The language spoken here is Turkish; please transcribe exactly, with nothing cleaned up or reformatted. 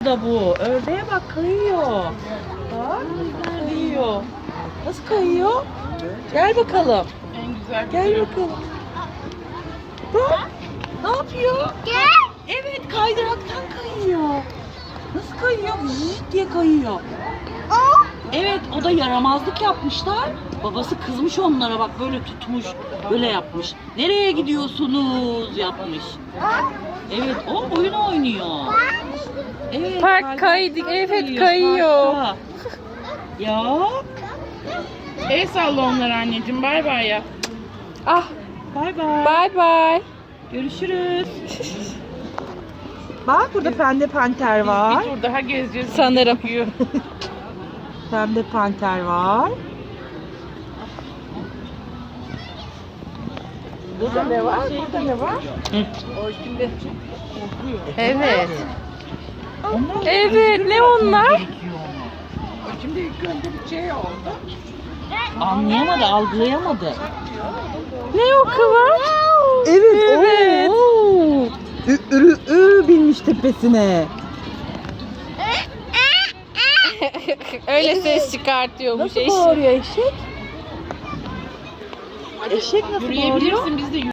da bu. Ördeğe bak kayıyor. Bak kayıyor. Nasıl kayıyor? Gel bakalım. En güzel. Gel bakalım. Bak. Ne yapıyor? Gel. Evet kaydıraktan kayıyor. Nasıl kayıyor? Zıt diye kayıyor. O. Evet o da yaramazlık yapmışlar. Babası kızmış onlara bak böyle tutmuş. Böyle yapmış. Nereye gidiyorsunuz yapmış. Evet o oyun oynuyor. Evet, Park kaydı, kaydıraktan evet kayıyor. parkta. Ya El salla onlara anneciğim. Bay bay ya. Ah, bay bay. bye bye. Görüşürüz. Bak burada pembe panter var. Bir tur daha gezeceğiz. Sanırım. Gözüküyor. Pembe panter var. Burada ne var? Burada ne var? O şimdi Evet. Onlar Evet, ne onlar? o şimdi ilk önce bir şey oldu. Anlayamadı, algılayamadı. Ne o Kıvanç? Evet, Evet. Oo. Ü, ürü, ü binmiş tepesine. Öyle ses çıkartıyormuş Nasıl eşi. bağırıyor eşek? Eşek nasıl bağırıyor? Yürüyebilirsin biz de